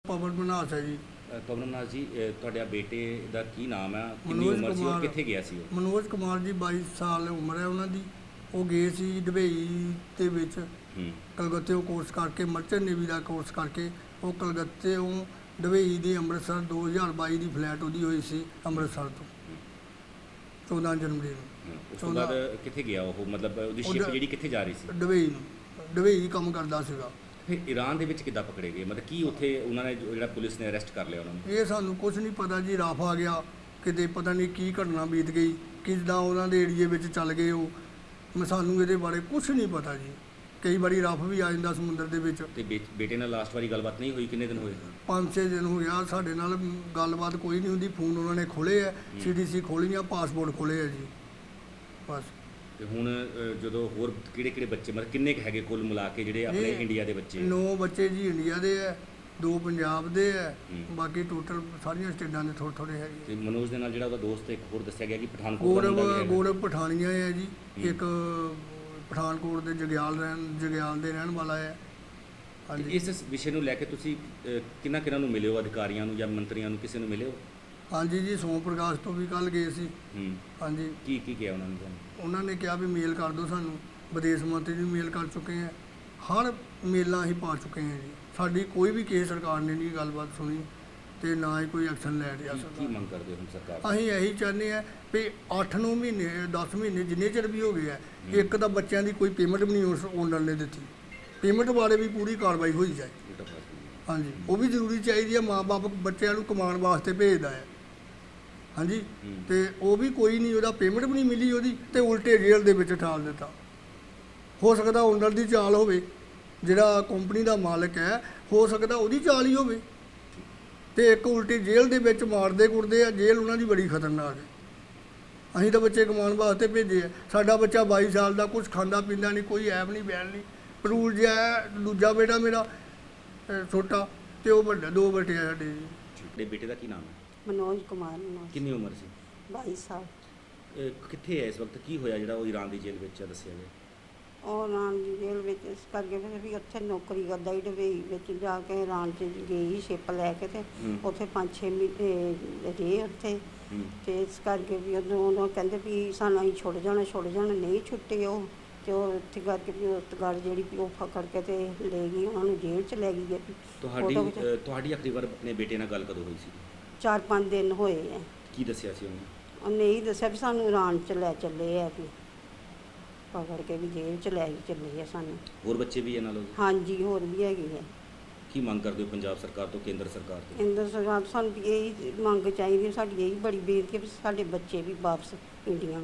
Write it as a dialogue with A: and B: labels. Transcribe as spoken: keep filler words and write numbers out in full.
A: ਪਵਨ ਮਨਹਾਸ ਹੈ ਜੀ।
B: ਅ, ਪਵਨ ਨਾਥ ਜੀ, ਅ, ਤੁਹਾਡਾ ਬੇਟੇ ਦਾ ਕੀ ਨਾਮ ਹੈ, ਕਿੰਨੀ
A: ਮਨੋਜ
B: ਉਮਰ ਸੀ ਔਰ
A: ਕੁਮਾਰ।
B: ਕਿੱਥੇ ਗਿਆ ਸੀ ਉਹ?
A: ਮਨੋਜ ਕੁਮਾਰ ਜੀ ਬਾਈ ਸਾਲ ਉਮਰ ਹੈ ਉਹਨਾਂ ਦੀ। ਉਹ ਗਏ ਸੀ ਦੁਬਈ ਦੇ ਵਿੱਚ
B: ਹੂੰ
A: ਕਲਕੱਤੇੋਂ ਕੋਰਸ ਕਰਕੇ, ਮਰਚੈਂਟ ਨੇਵੀ ਦਾ ਕੋਰਸ ਕਰਕੇ। ਉਹ ਕਲਕੱਤੇੋਂ ਦੁਬਈ ਦੀ ਅੰਮ੍ਰਿਤਸਰ ਦੋ ਹਜ਼ਾਰ ਬਾਈ ਦੀ ਫਲੈਟ ਉਹਦੀ ਹੋਈ ਸੀ ਅੰਮ੍ਰਿਤਸਰ ਤੋਂ ਚੌਦਾਂ ਜਨਵਰੀ ਨੂੰ।
B: ਹੂੰ। ਉਸ ਤੋਂ ਬਾਅਦ ਕਿੱਥੇ ਗਿਆ ਉਹ, ਮਤਲਬ ਉਹਦੀ ਸ਼ਿਪ
A: ਉਹਦਾ-
B: ਜਿਹੜੀ ਕਿੱਥੇ ਜਾ ਰਹੀ ਸੀ?
A: ਦੁਬਈ ਨੂੰ, ਦੁਬਈ ਕੰਮ ਕਰਦਾ ਸੀਗਾ।
B: ਫਿਰ ਈਰਾਨ ਦੇ ਵਿੱਚ ਕਿੱਦਾਂ ਪਕੜੇ ਗਏ, ਮਤਲਬ ਕੀ ਉੱਥੇ ਉਹਨਾਂ ਨੇ ਜੋ- ਜਿਹੜਾ ਪੁਲਿਸ ਨੇ ਅਰੈਸਟ ਕਰ ਲਿਆ ਉਹਨਾਂ ਨੂੰ?
A: ਇਹ ਸਾਨੂੰ ਕੁਝ ਨਹੀਂ ਪਤਾ ਜੀ। ਰਫ ਆ ਗਿਆ ਕਿਤੇ, ਪਤਾ ਨਹੀਂ ਕੀ ਘਟਨਾ ਬੀਤ ਗਈ, ਕਿੱਦਾਂ ਉਹਨਾਂ ਦੇ ਏਰੀਏ ਵਿੱਚ ਚੱਲ ਗਏ ਉਹ। ਮੈਂ ਸਾਨੂੰ ਇਹਦੇ ਬਾਰੇ ਕੁਝ ਨਹੀਂ ਪਤਾ ਜੀ। ਕਈ ਵਾਰੀ ਰਫ ਵੀ ਆ ਜਾਂਦਾ ਸਮੁੰਦਰ ਦੇ ਵਿੱਚ।
B: ਤੇ ਬੇ- ਬੇਟੇ ਨਾਲ ਲਾਸਟ ਵਾਰੀ ਗੱਲਬਾਤ ਨਹੀਂ ਹੋਈ, ਕਿੰਨੇ ਦਿਨ ਹੋਏ?
A: ਪੰਜ ਛੇ ਦਿਨ ਹੋ ਗਿਆ ਸਾਡੇ ਨਾਲ ਗੱਲਬਾਤ ਕੋਈ ਨਹੀਂ ਹੁੰਦੀ। ਫੋਨ ਉਹਨਾਂ ਨੇ ਖੋਲ੍ਹੇ ਆ, ਸੀ ਡੀ ਸੀ ਖੋਲ੍ਹੀਆਂ, ਪਾਸਪੋਰਟ ਖੋਲ੍ਹੇ ਆ ਜੀ ਬਸ।
B: ਤੇ ਹੁਣ ਅ, ਜਦੋਂ ਹੋਰ ਕਿਹੜੇ ਕਿਹੜੇ ਬੱਚੇ, ਮਤਲਬ ਕਿੰਨੇ ਕੁ ਹੈਗੇ ਕੁੱਲ ਮਿਲਾ ਕੇ ਜਿਹੜੇ ਆਪਣੇ
A: ਇਹ
B: ਇੰਡੀਆ ਦੇ ਬੱਚੇ?
A: ਨੌ ਬੱਚੇ ਜੀ ਇੰਡੀਆ ਦੇ ਆ, ਦੋ ਪੰਜਾਬ ਦੇ ਆ,
B: ਹੂੰ।
A: ਬਾਕੀ ਟੋਟਲ ਸਾਰੀਆਂ ਸਟੇਟਾਂ ਦੇ ਥੋੜ੍ਹੇ ਥੋੜ੍ਹੇ ਹੈਗੇ।
B: ਤੇ ਮਨੋਜ ਦੇ ਨਾਲ ਜਿਹੜਾ ਉਹਦਾ ਦੋਸਤ ਇੱਕ ਹੋਰ ਦੱਸਿਆ ਗਿਆ ਕਿ ਪਠਾਨਕੋਟ ਦਾ
A: ਗੌਰਵ
B: ਮੁੰਡਾ ਵੀ ਹੈਗਾ।
A: ਗੌਰਵ ਪਠਾਨੀਆ ਹੈ ਜੀ।
B: ਹੂੰ।
A: ਇੱਕ ਪਠਾਨਕੋਟ ਦੇ ਜਗਿਆਲ ਰਹਿਣ ਜਗਿਆਲ ਦੇ ਰਹਿਣ ਵਾਲਾ ਹੈ।
B: ਤੇ
A: ਹਾਂਜੀ
B: ਇਸ ਵਿਸ਼ੇ ਨੂੰ ਲੈ ਕੇ ਤੁਸੀਂ ਅ, ਕਿਹਨਾਂ ਕਿਹਨਾਂ ਨੂੰ ਮਿਲੇ ਹੋ, ਅਧਿਕਾਰੀਆਂ ਨੂੰ ਜਾਂ ਮੰਤਰੀਆਂ ਨੂੰ, ਕਿਸੇ ਨੂੰ ਮਿਲੇ ਹੋ?
A: ਹਾਂਜੀ ਜੀ, ਸੋਮ ਪ੍ਰਕਾਸ਼ ਤੋਂ ਵੀ ਕੱਲ੍ਹ ਗਏ ਸੀ।
B: ਹੂੰ।
A: ਹਾਂਜੀ,
B: ਕੀ ਕੀ ਕਿਹਾ ਉਹਨਾਂ ਨੇ ਤੁਹਾਨੂੰ?
A: ਉਹਨਾਂ ਨੇ ਕਿਹਾ ਵੀ ਮੇਲ ਕਰ ਦਿਓ ਸਾਨੂੰ। ਵਿਦੇਸ਼ ਮੰਤਰੀ ਨੂੰ ਮੇਲ ਕਰ ਚੁੱਕੇ ਹਾਂ, ਹਰ ਮੇਲਾਂ ਅਸੀਂ ਪਾ ਚੁੱਕੇ ਹਾਂ ਜੀ। ਸਾਡੀ ਕੋਈ ਵੀ ਕਿਸੇ ਸਰਕਾਰ ਨੇ ਨਹੀਂ ਗੱਲਬਾਤ ਸੁਣੀ ਤੇ ਨਾ ਹੀ ਕੋਈ ਐਕਸ਼ਨ ਲੈ ਰਿਹਾ
B: ਕੀ- ਕੀ
A: ਸਰਕਾਰ।
B: ਮੰਗ ਕਰਦੇ ਹੋ ਹੁਣ ਸਰਕਾਰ ਤੋਂ?
A: ਅਸੀਂ ਇਹੀ ਚਾਹੁੰਦੇ ਹਾਂ ਵੀ ਅੱਠ ਨੌ ਮਹੀਨੇ ਦਸ ਮਹੀਨੇ ਜਿੰਨੇ ਚਿਰ ਵੀ ਹੋ ਗਏ ਆ, ਇੱਕ ਤਾਂ ਬੱਚਿਆਂ ਦੀ ਕੋਈ ਪੇਮੈਂਟ ਵੀ ਨਹੀਂ ਉਸ ਓਨਰ ਨੇ ਦਿੱਤੀ। ਪੇਮੈਂਟ ਬਾਰੇ ਵੀ ਪੂਰੀ ਕਾਰਵਾਈ ਹੋਈ ਜਾਏ।
B: ਇਹ ਤਾਂ ਫਸ ਗਈ।
A: ਹਾਂਜੀ, ਉਹ ਵੀ ਜ਼ਰੂਰੀ ਚਾਹੀਦੀ ਹੈ। ਮਾਂ-ਬਾਪ ਬੱਚਿਆਂ ਨੂੰ ਕਮਾਉਣ ਵਾਸਤੇ ਭੇਜਦਾ ਹੈ। ਹਾਂਜੀ,
B: ਹੂੰ।
A: ਤੇ ਉਹ ਵੀ ਕੋਈ ਨਹੀਂ, ਉਹਦਾ ਪੇਮੈਂਟ ਵੀ ਨਹੀਂ ਮਿਲੀ ਉਹਦੀ, ਤੇ ਉਲਟੇ ਜੇਲ੍ਹ ਦੇ ਵਿੱਚ ਠਾਲ ਦਿੱਤਾ। ਹੋ ਸਕਦਾ ਓਨਰ ਦੀ ਚਾਲ ਹੋਵੇ, ਜਿਹੜਾ ਕੰਪਨੀ ਦਾ ਮਾਲਕ ਹੈ, ਹੋ ਸਕਦਾ ਉਹਦੀ ਚਾਲ ਹੀ ਹੋਵੇ। ਤੇ ਇੱਕ ਉਲਟੀ ਜੇਲ੍ਹ ਦੇ ਵਿੱਚ ਮਾਰਦੇ ਕੁੱਟਦੇ ਆ। ਜੇਲ੍ਹ ਉਹਨਾਂ ਦੀ ਬੜੀ ਖਤਰਨਾਕ ਹੈ। ਅਸੀਂ ਤਾਂ ਬੱਚੇ ਕਮਾਉਣ ਵਾਸਤੇ ਭੇਜੇ ਆ। ਸਾਡਾ ਬੱਚਾ ਬਾਈ ਸਾਲ ਦਾ, ਕੁਝ ਖਾਂਦਾ ਪੀਂਦਾ ਨਹੀਂ, ਕੋਈ ਐਬ ਨਹੀਂ ਬੈਲ ਨਹੀਂ, ਪਰੂਲ ਜਿਹਾ ਹੈ। ਦੂਜਾ ਬੇਟਾ ਮੇਰਾ ਅਹ, ਛੋਟਾ, ਤੇ ਉਹ ਵੱਡਾ, ਦੋ ਬੇਟੇ ਆ ਸਾਡੇ ਜੀ।
B: ਤੁਹਾਡੇ ਬੇਟੇ ਦਾ ਕੀ ਨਾਮ ਹੈ?
C: ਮਨੋਜ ਕੁਮਾਰ ਮਨੋਜ
B: ਕਿੰਨੀ ਉਮਰ ਸੀ?
C: ਬਾਈ ਸਾਲ।
B: ਅ, ਕਿੱਥੇ ਹੈ ਇਸ ਵਕਤ? ਕੀ ਹੋਇਆ ਜਿਹੜਾ ਉਹ ਈਰਾਨ ਦੀ ਜੇਲ੍ਹ ਵਿੱਚ ਹੈ, ਦੱਸਿਆ ਗਿਆ?
C: ਉਹ ਇਰਾਨ ਦੀ ਜੇਲ੍ਹ ਵਿੱਚ ਇਸ ਕਰਕੇ ਫਿਰ ਵੀ ਉੱਥੇ ਨੌਕਰੀ ਕਰਦਾ ਹੀ ਦੁਬਈ ਵਿੱਚ ਜਾ ਕੇ ਇਰਾਨ 'ਚ ਗਈ ਸ਼ਿਪ ਲੈ ਕੇ, ਤੇ
B: ਹੂੰ।
C: ਉੱਥੇ ਪੰਜ ਛੇ ਮਹੀਨੇ ਰਹੇ ਉੱਥੇ।
B: ਹੂੰ।
C: ਤੇ ਇਸ ਕਰਕੇ ਵੀ ਉਦੋਂ ਉਦੋਂ ਕਹਿੰਦੇ ਵੀ ਸਾਨੂੰ ਅਸੀਂ ਛੁੱਟ ਜਾਣਾ ਛੁੱਟ ਜਾਣਾ ਨਹੀਂ ਛੁੱਟੇ ਉਹ। ਤੇ ਉਹ ਇੱਥੇ ਕਰਕੇ ਵੀ ਉਸ ਗੱਲ ਜਿਹੜੀ ਵੀ ਉਹ ਫਕੜ ਕੇ ਤੇ ਲੈ ਗਈ ਉਹਨਾਂ ਨੂੰ, ਜੇਲ੍ਹ 'ਚ ਲੈ ਗਈ ਹੈ ਵੀ।
B: ਤੁਹਾਡੀ
C: ਫੋਟੋ ਖਿਚਾ-
B: ਅ, ਤੁਹਾਡੀ ਆਖਰੀ ਵਾਰ ਆਪਣੇ ਬੇਟੇ ਨਾਲ ਗੱਲ ਕਦੋਂ ਹੋਈ ਸੀ?
C: ਚਾਰ ਪੰਜ ਦਿਨ ਹੋਏ ਆ।
B: ਕੀ ਦੱਸਿਆ ਸੀ ਉਹਨੇ?
C: ਉਹਨੇ ਇਹ ਦੱਸਿਆ ਵੀ ਸਾਨੂੰ ਇਰਾਨ 'ਚ ਲੈ ਚੱਲੇ ਆ ਵੀ, ਪਕੜ ਕੇ ਵੀ ਜੇਲ੍ਹ 'ਚ ਲੈ ਕੇ ਚੱਲੇ ਆ ਸਾਨੂੰ।
B: ਹੋਰ ਬੱਚੇ ਵੀ ਇਹ ਨਾਲ ਉਹਦੇ?
C: ਹਾਂਜੀ, ਹੋਰ ਵੀ ਹੈਗੀ ਹੈ।
B: ਕੀ ਮੰਗ ਕਰਦੇ ਹੋ ਪੰਜਾਬ ਸਰਕਾਰ ਤੋਂ, ਕੇਂਦਰ ਸਰਕਾਰ ਤੋਂ?
C: ਕੇਂਦਰ ਸਰਕਾਰ ਤੋਂ ਸਾਨੂੰ ਵੀ ਇਹੀ ਮੰਗ ਚਾਹੀਦੀ ਹੈ। ਸਾਡੀ ਇਹੀ ਬੜੀ ਬੇਨਤੀ ਹੈ ਵੀ ਸਾਡੇ ਬੱਚੇ ਵੀ ਵਾਪਸ ਇੰਡੀਆ